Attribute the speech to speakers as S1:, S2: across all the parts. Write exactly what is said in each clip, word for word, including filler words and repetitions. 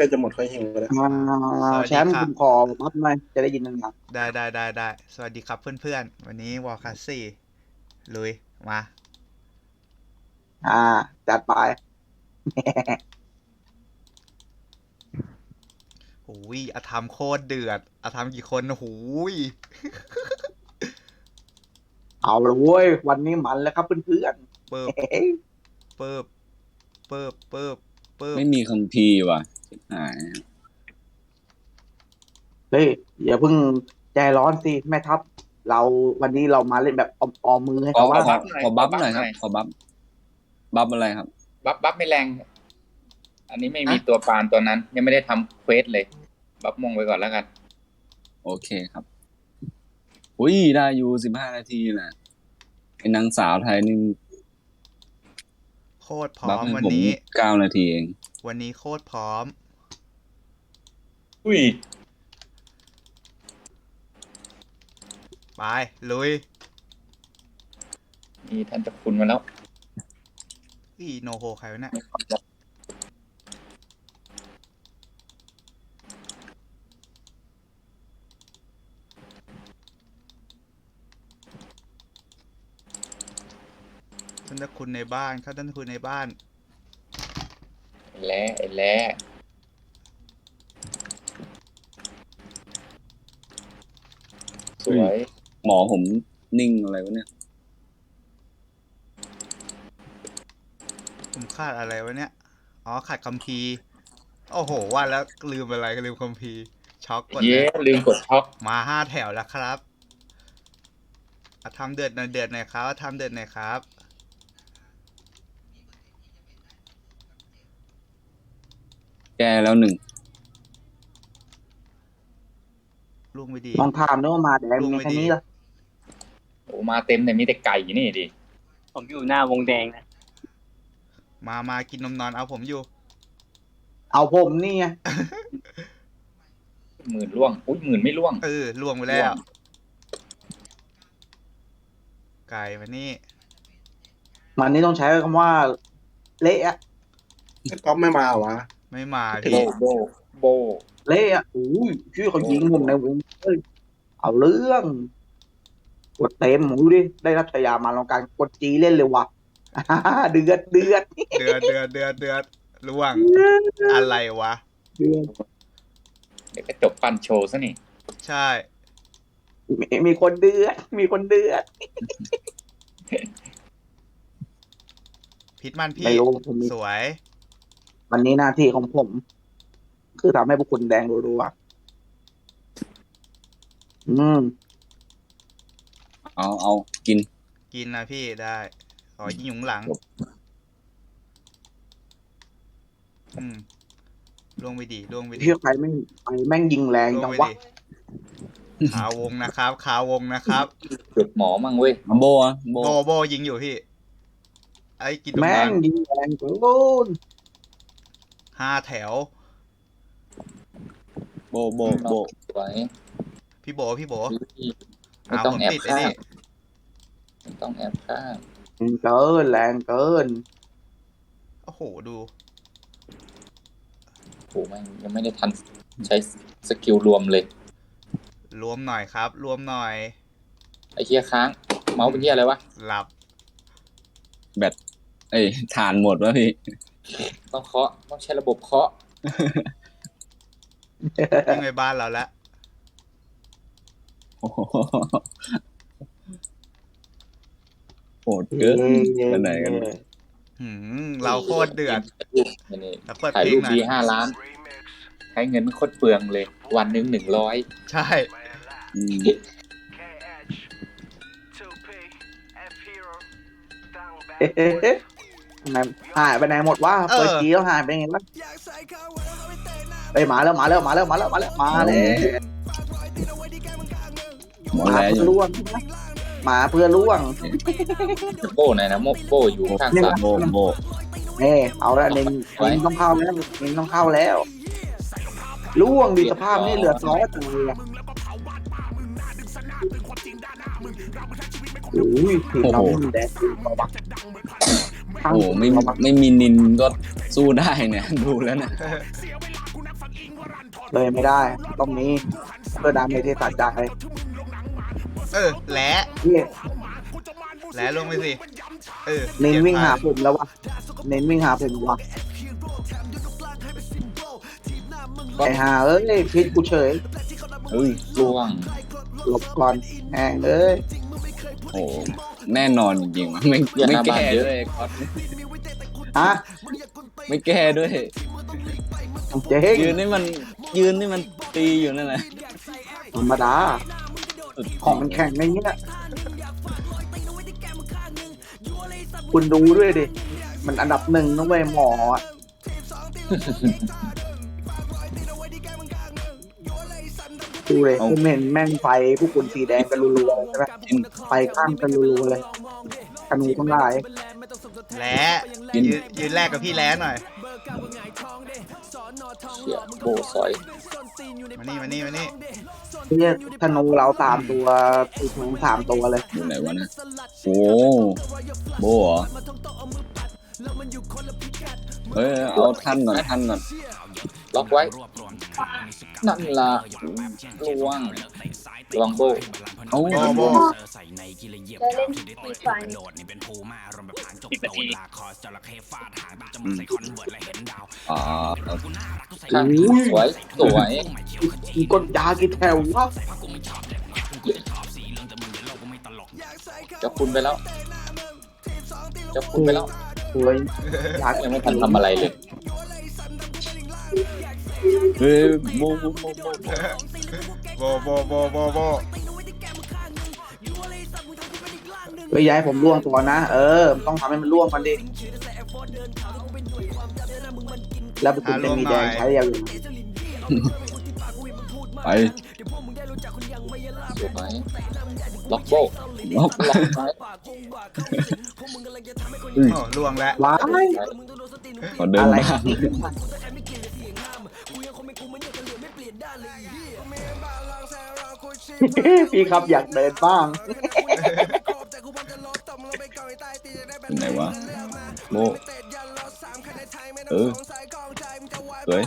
S1: ล้จะหมดค่อยหิวเลย
S2: อ่า
S3: สวัส
S2: แช
S3: ดี
S2: มป์
S3: ครั
S2: คุ
S3: บ
S2: ณขอพับหน่อยจะได้ยินนาน
S3: ได้ได้ได้ได้สวัสดีครับเพื่อนๆ วันนี้วอลคัสสี่ลุย มา
S2: ๆอ่า จัดไป
S3: หูยอาธรรมโคตรเดือดอาธรรมกี่คนหูย
S2: เอาละเว้ยวันนี้มันแล้วครับเพื่อน
S3: เปิบเปิบเปิบเปิบเปิบ
S4: ไม่มีคัมภีร์ว่ะชิบหาย
S2: ๆเฮ้ยอย่าเพิ่งใจร้อนสิแม่ทัพเราวันนี้เรามาเล่นแบบออมๆมือให้
S4: ขอ
S2: เขา
S4: ขอ
S2: ว่า
S4: ขอบัฟหน่อยครับ ขอบัฟบัฟอะไรครับ
S5: บัฟบัฟไม่แรง อันนี้ไม่มี
S4: อะ
S5: ตัวปานตัวนั้น ยังไม่ได้ทำเควสเลย บัฟมงไปก่อนแล้วกัน
S4: โอเคครับ อุ้ยได้อยู่สิบห้านาทีน่ะไอ้นางสาวไทยนี่
S3: โคตรพร้
S4: บั
S3: อ
S4: ฟ
S3: ม
S4: ให้
S3: วัน
S4: ผม
S3: นี้
S4: เก้านาทีเอง
S3: วันนี้โคตรพร้อม
S5: อุ้ย
S3: ไป ลุย
S5: มีท่านเจ้าคุณมาแล้ว
S3: อีโนโฮใครวะเนี่ยท่านเจ้าคุณในบ้านครับท่านเจ้าคุณในบ้าน
S5: ไอ้แล้ไอ้แล้สวย
S4: หมอผมนิ่งอะไรวะเนี่ย
S3: ผมขาดอะไรวะเนี่ย อ๋อขาดคัมภีร์ โอ้โห ว่าแล้วลืมอะไรก็ลืมคัมภีร์ ช็อกกดเล
S5: เย้
S3: ย
S5: ลืมกดช็อค
S3: มาห้าแถวแล้วครับอ่ะทำเดือดหน่อยเดือดหน่อยครับทำเดือดหน่อยครับ
S4: แก้แล้วหนึ่ง
S3: ลุงไปดี
S2: ลองถามด้วยว่ามาแดง
S3: ลง
S2: มี
S3: ไป
S2: แค่
S3: ดิ
S2: นี้เหรอ
S5: โอ้มาเต็มเลยมีแต่ไก่นี่ดิ
S6: ผมอยู่หน้าวงแดงนะ
S3: มามากินนมนอนเอาผมอยู่
S2: เอาผมนี่ไง
S5: หมื่นล่วง อุ้ยหมื่นไม่ล่วง
S3: เออล่วงไปแล้ว ไก่มานี่
S2: มันนี่ต้องใช้คำว่า เละอะ
S1: ก๊อฟไม่มาเหรอวะ
S3: ไม่มา
S5: โบ
S3: พี่
S5: โบโบ
S2: เละอะอุ้ยชื่อเขายิงผมในวงเฮ้ยเอาเรื่องกดเต็มดูดิได้รับฉายามาลองการกดจีเล่นเลยว่ะ อ่าเดือดเดือด
S3: เดือดเดือดเดือดเดือดล่วง อะไรวะ
S2: เดือด
S5: เดี๋ยวก็จบปันโชว์ซะนี่
S3: ใช่
S2: มีมีคนเดือด มีคนเดือด
S3: พิษมันพี่
S2: ไม่รู้ผมมี
S3: สวย
S2: วันนี้หน้าที่ของผม คือทำให้พวกคุณแดงรัวๆอืม
S4: เอาเอากิน
S3: กินนะพี่ได้ ขอยิงหยุงหลัง อืมล่วงไปดีล่วงไปดี
S2: เชื่อใครแม่งไปแม่งยิงแรง
S3: ล่ว
S2: จั
S3: ง
S2: ง
S3: ไป
S2: วะ
S3: ดีขาวงนะครับ ขาวงนะครับ
S5: จุดหมอมั่งเว้ย
S4: โบอะโบ
S3: โบโบยิงอยู่พี่ ไอ้กินตรง
S2: แม่
S3: นั้
S2: ง
S3: น
S2: ยิงแรงเกิน
S3: ห้าแถว
S4: โบโบโบ
S5: สวย
S3: พี่โบพี่โบ
S5: ไม่
S3: อ้าว
S5: ต้อง
S3: ผม
S5: แอบ
S3: ติดไอ้
S5: ข้าง
S3: นี่
S5: ไม่ต้องแอบข้าง
S2: เกินแรงเกิน
S3: โอ้โหดู
S5: โอ้แม่งยังไม่ได้ทันใช้สกิลรวมเลย
S3: รวมหน่อยครับ รวมหน่อย
S5: ไอ้เฮียค้าง เมาส์เป็นเฮียอะไรวะ
S3: หลับ
S4: แบตเอ้ยฐานหมดวะพี่
S5: ต้องเคาะ ต้องใช้ระบบเคาะ
S3: ยิ่งในบ้านเราแล้ว
S4: โอ้โหโหดเกินไปไหนกัน
S3: หืมเราโคตรเดือด
S5: นี่
S3: แล้วเปิด
S5: ถ่าย
S3: เพล
S5: รู
S3: ง
S5: ป
S3: หน่อ
S5: ดี
S3: ย
S5: ห้าล้าน ใช้เงินโคตรเปลืองเลย วันหนึ่งหนึ่งร้อย
S3: ใช่
S4: อืม
S2: ไหนหายไปไหนหมดวะ
S3: เออ
S2: เปิดจีแล้วหายไปไงวะไปมาแล้วมาแล้วมาแล้วมาแล้วมาแล้วมาแล้ว
S4: หมด
S2: มา
S4: แล้วอ
S2: เพื่อยู่ ล่วงมาเพื่อล่วง
S5: โบ้ไหนนะโมโบ้อยู่ข้างซ้าย
S4: โบโบ
S2: เน่เอาแล้วเน้น
S5: ไว้
S2: เน้นต้องเข้าแล้วเน้นต้องเข้าแล้วล่วงดีสภาพนี่เหลือซอสเลยอะโอ้ยทีมเราไม่มีแดงมาบัก
S4: โอ้โหไม่ไม่มีนินก็สู้ได้เนี่ย ดูแล้วเนี่ย
S2: เลยไม่ได้ต้องมีเพื่อดาเมจที่ตัดใจ
S3: เออแหละ
S2: นี่
S3: แหละลงไปสิเออ
S2: เน้นวิ่งหา
S3: เปลี่ยน
S2: ผมแล้ววะเน้นวิ่งหาผมวะไอ้ห่าเอ้ยพิษกูเฉย
S4: เฮ้ย
S5: ล่วง
S2: หลบก่อนแหงเอ้ย
S4: โอ้โหแน่นอนจริงๆว่ะไม่ไม่แก้ด้วยคอส
S2: ฮะ
S4: ไม่แก้ด้วย
S2: เจ๊ง
S4: ยืนนี่มันยืนนี่มันตีอยู่นั่นแหละ
S2: ธรรมดาของมันแข่งในเงี้ยคุณดูด้วยดิมันอันดับหนึ่งนะเว้ยหมออะดูเลยผมเห็นแม่งไฟพวกคุณสีแดงกันรัวๆใช่ไหมไฟข้างกันรัวๆเลยธนูทั้งหลาย
S3: แหละยืนยืนแรกกับพี่แหละหน่อย
S5: เชี่ยโบสอย
S3: มานี่มานี่มานี่
S2: เนี่ยธนูเราสามตัวตีทั้งสามตัวเลย
S4: อยู่ไหนวะนะโอ้โบเหรอเฮ้ยเอาท่านก่อนท่านก่อน
S5: ล็อกไว้ นั่นละล่วงลองโบ
S4: เอา
S3: โบโบ
S7: จะเล่นฟรีไฟ
S4: อ๋อ
S5: ข้างสวยสวย
S2: มีกดยากี่แถววะ
S5: จะคุณไปแล้วจะคุณไปแล้ว
S2: สวยยา
S5: ยังไม่ทันทำอะไรเลย
S4: เฮ้ยโบโบโบโบ
S3: โบโบโบโบโบ
S2: เฮ้ยย้ายผมล่วงตัวนะเออต้องทำให้มันล่วงมันดิแล้วคุณจะมีแดงใช้ยาว
S4: ไป
S5: สวยล็อกโบ
S4: ล็อก
S5: ล็อกไว้
S3: โอ้ล่วงแล้ว
S2: ว้าย
S4: ขอเดิน
S2: อะไร
S4: บ้าง
S2: พี่ครับอยากเดินบ้าง
S4: ไหนวะโบเออสวย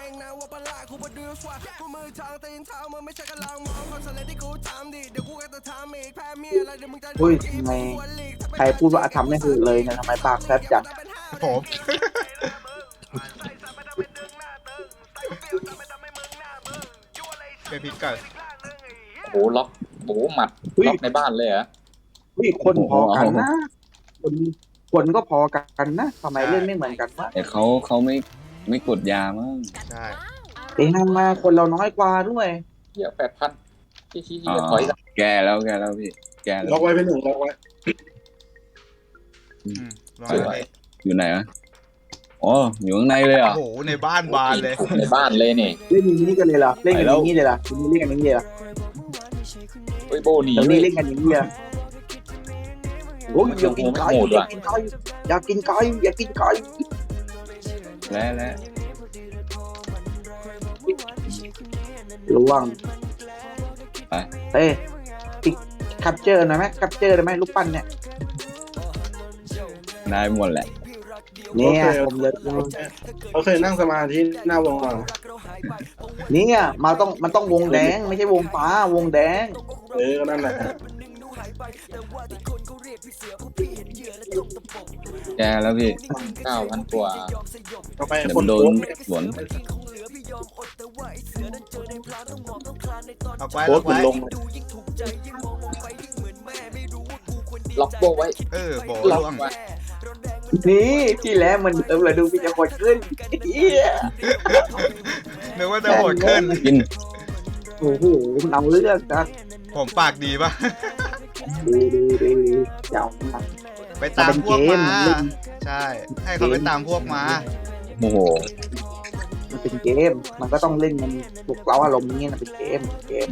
S2: อุ้ยทำไมใครพูดว่าทำไม่ถูกเลยเนี่ยทำไมปากแซบจัง
S3: ผมไปพลิกก่อน
S5: โอ้โหล็อกโอ้โหหมัดล็อกในบ้านเลยเหรอ
S2: อุ้ยคนพอกันนะคนคนก็พอกันนะทำไมเล่นไม่เหมือนกันวะ
S4: แต่เขาเขาไม่ไม่กดยามั้ง
S3: ใช่
S2: เอ้ยทำมาคนเราน้อยกว่าด้วย
S5: เหี้ยแปดพันชี้ชี้
S4: อ๋
S5: ชี้
S4: อ
S5: ถอย
S4: แกแล้วแกแล้วพี่แกแล้
S1: ล็อ
S4: ว
S1: กไว้เป็นหนึ่งล็อกไว้
S3: อืมลอง
S5: ส
S3: ไป
S5: วย
S4: อยู่ไหนวะอ๋ออยู่ข้างในเลยเหร
S3: โอ้
S4: อ่ะ
S3: โหในบ้านบานเลย
S5: ในบ้านเลยนี่
S2: เล่นอย่างนี้กันเลยเหรอเล่นกันอย่างนี้เลยเหรอทีนี้เล่นกันอย่างนี้เลยเหรอ
S5: เฮ้ยโบหนี
S2: เดี๋ยว
S5: เล
S2: นี้
S5: ย
S2: เล่นกันอย่างนี้เลยเหรอโอ้ยอยากกินไก่
S5: โหด
S2: อยา
S5: ว่ะ
S2: กกินไก่อยากกินไก่อยากกินไก่
S4: แล้วแล้ว
S2: ระวัง
S4: ไป
S2: เอ้ยอีกคัพเจอร์หน่อยไหมคัพเจอร์ได้ไหมลูกปั้นเนี่ย
S4: ได้หมดแหละ
S2: เนี่ยผมเลย
S1: เขาเคยนั่งสมาธิหน้าวงมา
S2: เนี่ยมาต้องมันต้องวงแดงไม่ใช่วงฟ้าวงแดง
S1: เออก็นั่นแหละ
S4: แกแล้วพี่
S5: เก้าพันกว่า
S1: ต่อไป
S4: เดี๋ยว
S1: ค
S4: มัน นโด
S1: โพ
S4: น
S1: สต์
S4: สวน
S3: เอาไว้
S1: โพส
S3: เอา
S1: ต์เป็น
S3: ไว้
S1: ลง
S5: ล็อกโบไว้
S3: เออโบ
S5: ล็อก
S3: ล่วง
S5: ไว้
S2: นี่ที่แล้วมันเติมเลยดูพี่จะกดขึ้นเหี้ย
S3: นึกว่าจะโหดขึ้น
S4: กิน
S2: โอ้โหมันเอาเรื่องนะ
S3: ผมปากดีปะ
S2: ดูดูดูเจ้ามัน
S3: ไปตามพวก
S2: มัน
S3: มา
S2: เป็นเกมมันเล่น
S3: ใช่ ให้เขาไปตามพวกมา
S4: โอ้โห
S2: มันเป็นเกม มันก็ต้องเล่นมันปลุกเราอารมณ์นี้นะเป็นเกมเกม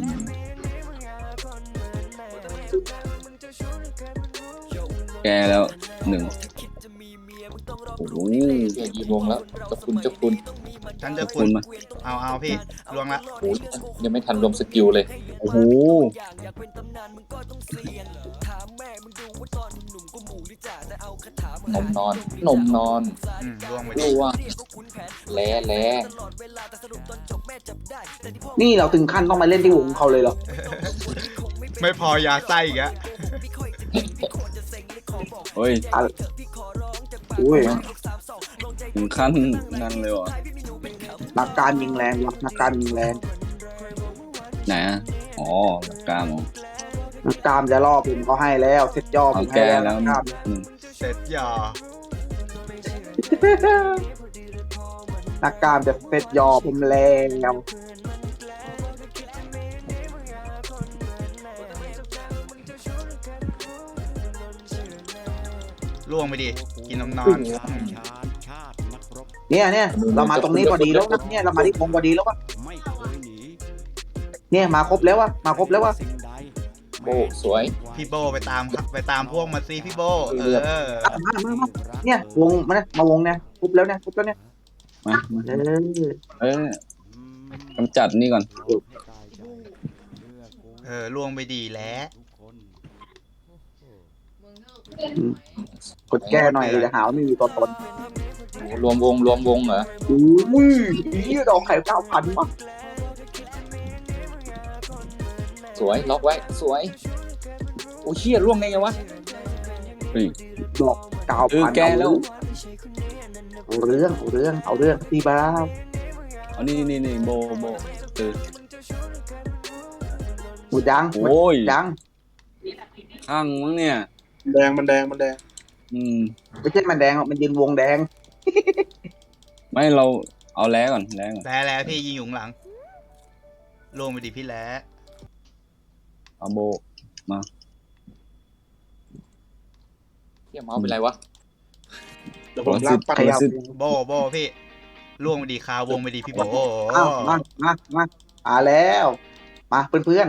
S4: แกแล้วหนึ่งโอ้โห
S5: เหี้ยยีวงแล้วเจ้าคุณเจ้าคุณ
S3: ฉันจะ
S4: ขอบ
S3: คุ
S4: คุณ ณมา
S3: เอาเอาพี่ลวงละ
S5: โอ้ยยังไม่ทันรวมสกิลเลย
S4: โอ้โห
S5: นมนอน นมนอน
S3: อืมลวงไป
S5: ดู
S3: ดิ
S5: ว่าแล้แล้
S2: นี่เราถึงขั้นต้องมาเล่นที่วงเขาเลยเหรอ
S3: ไม่พอยาไส้อีกอะ
S4: เฮ้ย
S2: อุ้ย
S4: ถึงขั้นนั้นเลยเหรอ
S2: นักการยิงแรงว่ะนักการยิงแรง
S4: ไหนอ่ะอ๋อหลักการเหรอ
S2: นักกล้ามจะล่อผมเขาให้แล้วเซ็ตย่อผ
S4: เอา
S2: มให้
S4: แก้
S2: แล้ว
S4: แล้ว
S2: นักกล้าม
S4: อืม
S3: เสร็จยอ
S2: นักกล้ามจะเซ็ตย่อผมแล้ว
S3: ลวงไปดิกินนมนอน
S2: เนี่ยเนี่ยเรามาตรงนี้พอดีแล้วนะเนี่ยเรามาที่วงพอดีแล้ววะเนี่ยมาครบแล้ววะมาครบแล้ววะ
S5: โอ้สวย
S3: พี่โบไปตามครับไปตามพวกมาสิพี่โบเออ
S2: มามามาเนี่ยวงมาเนี่ยมาวงเนี่ยครบแล้วเนี่ยครบแล้วเนี่ย
S4: มามา
S2: เออ
S4: เออกำจัดนี่ก่อน
S3: เออลวงไปดีแล้ว
S2: กดแก้หน่อยจะหาว่าไม่มีตัวตน
S5: โอ้รวมวงรวมวงเหรอ
S2: อุ้ยยี่ดอกไข่เก้าพันมั้ง
S5: สวยล็อกไว้สวยโอ้เชี่ยร่วงได้ไงวะ
S4: เฮ้ย
S2: ดอกเก้า
S4: เออ
S2: พัน
S4: แก้แล้ว
S2: เอาเรื่องเอาเรื่องเอาเรื่องตีบ้า
S4: เอานี่นี่นี่โบโบเออ
S2: หมดยัง
S4: โอ้ย
S2: ยัง
S4: ข้างมั้งเนี่ย
S1: แดงมันแดงมันแดง
S4: อืม
S2: ไม่ใช่มันแดงหรอกมันยืนวงแดง
S4: ไม่เราเอาแล้วก่อนแล้วก่อน
S3: แล้วแล้วพี่ยิงอยู่ข้างหลังลวงไปดิพี่แล้ว
S4: เอาโบมา
S5: เชี่ยเมาส์เป็นไรวะ
S1: เดี๋ยวผมลากปัก
S2: ขยับ
S3: โบโบพี่ลวงไปดีคาวงไปดีพี่โบ
S2: อ้าวมามามามาแล้ว มาเพื่อน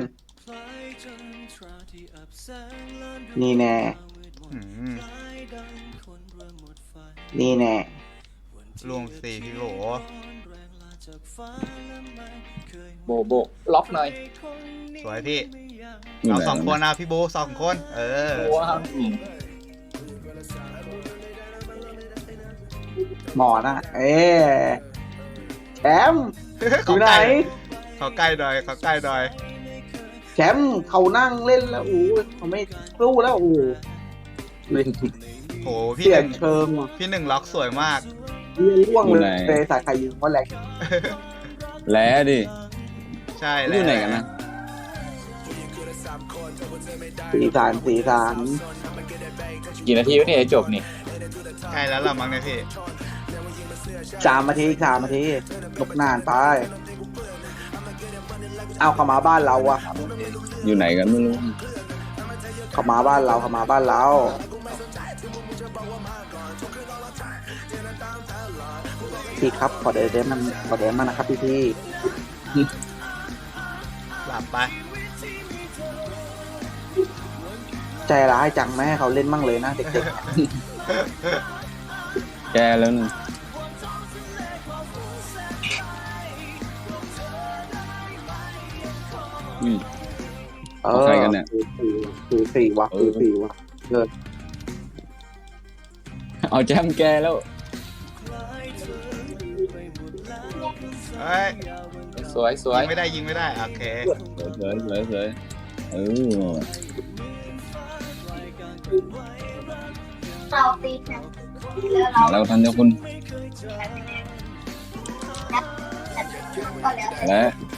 S2: ๆนี่แน่
S3: อืม
S2: นี่แน่
S3: ลวงสิพี่โบ
S5: โบโบล็อกหน่อย
S3: สวยพี่
S4: ยู่
S3: เอา
S4: ไห
S3: สองคนนะพี่โบสองคนเออ
S5: ว้าวอืม
S2: หมอนะเอ๊แชมป์อ
S3: เขา
S2: ยู่ไหน
S3: ใกล้เขาใกล้หน่อยเขาใกล้หน่อย
S2: แชมป์เขานั่งเล่นแล้วโอ้ยเขาไม่สู้แล้วโอ้ย
S3: โหพี่
S2: เสี
S3: ห
S2: ย
S3: นึ่ง
S2: เชิงว่ะ
S3: พี่หนึ่งล็อกสวยมาก
S2: เรียนร่วงเลยเตะสายไข่ยิงว่าแรง
S4: แล้วดิ
S3: ใช่
S4: อ
S3: แล้ว
S4: ยู่ไหนกันนะ
S2: สีสานสีสาน
S5: กี่นาทีวะเนี่ยจบนี่
S3: ใกล้แล้วล่ะมั้งเนี่ยพี่
S2: สามนาทีสามนาทีลกนานไป เอาเข้ามาบ้านเราอะ
S4: อยู่ไหนกันไม่รู้
S2: เข้ามาบ้านเราเข้ามาบ้านเราพี่ครับขอเดเดมันขอเดมันนะครับพี่พี่
S3: หลับไป
S2: ใจร้ายจังแม่ให้เขาเล่นมั่งเลยนะเด็ก
S4: แกแล้วนึง อุ้ย
S2: ๆเอ
S4: เอา
S2: อ
S4: ใครกันเนี่ย
S2: สูสี่วะ
S4: เอ
S2: สู
S4: อ
S2: สี่วะเออ
S4: เอาแจมแกแล้ว
S3: เฮ้ย
S5: สวยสวย
S3: ยิงไม่ได้ยิงไม่ได้โอเค
S4: สวยสวยสวยสวยเออ
S7: เราตีแชมป์แล้วเรา
S4: แล้วทันเจ้าคุณ
S7: ก็แล้ว
S4: และ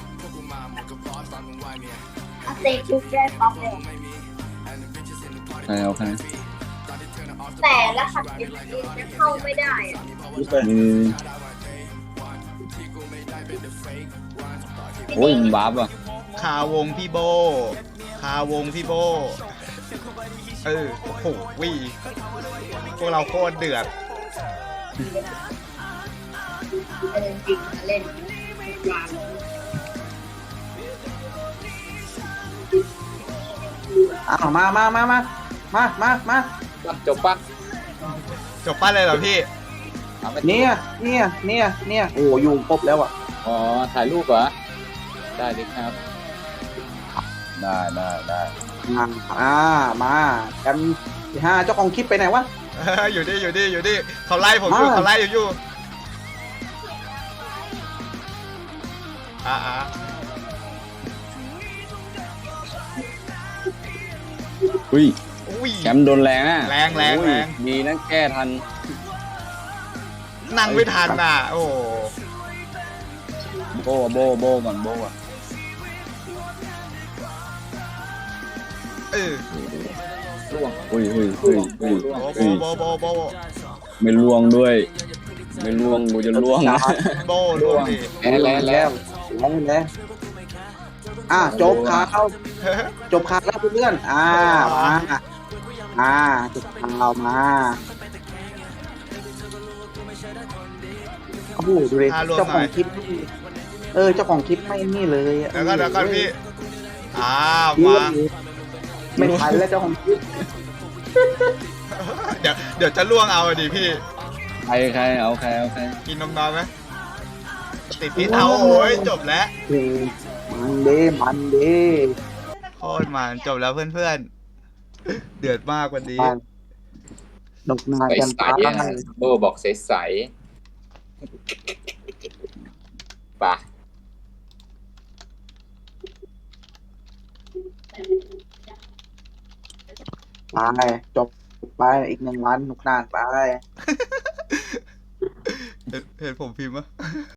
S7: เอาเตะชุดได้ป๊อปเลย
S4: ใครเอาใคร
S7: แต่ละขัดยังจะเข้าไม่ได้อะ
S4: อืมโอ้ยมันบาปอ่ะ
S3: คาวงพี่โบ คาวงพี่โบ เออ โอ้โหวิพวกเราโคตรเดือด
S7: เออจริงมาเล่นวาง
S2: เอามามามามามามามา
S5: ปั้นจบปั้น
S3: จบป้าเลยเหรอพี่
S5: เอาไป
S2: เนี่ยเนี่ยเนี่ยเนี่ยโอ้อยู่ครบแล้วอ่ะ
S5: อ๋อถ่ายรูปเหรอได้เลยครับ
S4: ได้ได้ได้
S2: มาอ่ามากันที่ห้าเจ้าของคลิปไปไหนวะ
S3: อยู่ดิอยู่ดิอยู่ดิเขาไล่ผมอยู่
S2: มา
S3: เขาไล่ผมอยู่อ่าอ่า
S4: อุ้ย
S3: อุ้ย
S4: แชมป์โดนแรงอ่ะ
S3: แรงแรง
S4: อุ้ย
S3: แรง
S4: ดีนะแก้ทัน
S3: นั่งไม่ทันอ่ะ โอ้โห
S4: โบโบโบก่อนโบก่อน
S3: เออ
S5: ล่วง
S4: อุ้ยอุ้ยอุ้ยอุ้ย
S3: โบ
S4: อุ้ย
S3: โบโบโบโบ
S4: ไม่ล่วงด้วย ไม่ล่วงกูจะล่วงนะ
S3: โบล่วงดิ
S5: แล้วแล้วแล้ว
S2: แล้วแล้วอ่าจบข่าวจบข่าวแล้วเพื่อนๆอ่ามาอ่าจบข่าวมาโอ้โหดูดิเจ้าของคลิปนี่เออเจ้าของคลิปไม่นี่เลยอะ
S3: แล้วก็แล้วก็พี่อ้าว
S2: เย
S3: มา
S2: อะเลยไม่ทันแล้วเจ้าของคลิป
S3: เดี๋ยวเดี๋ยวจะล่วงเอาดิพี่
S4: ใครใครเอาใครเอาใคร
S3: กินนมนอนไหมติดพิษเอาโอ้ยจบแล้ว
S2: เฮ้ยมันเด้มันเด้
S3: โคตรมันจบแล้วเพื่อนๆ เดือดมากวันนี้
S2: ดอกนา
S5: ใส
S2: กัน
S5: ใส
S2: ตา
S5: ๆอะโบบอกใสใสๆป่ะ
S2: ไปจบไปอีกหนึ่งวันหนุกนานไป
S3: เห็นเห็นผมพิมพ์ปะ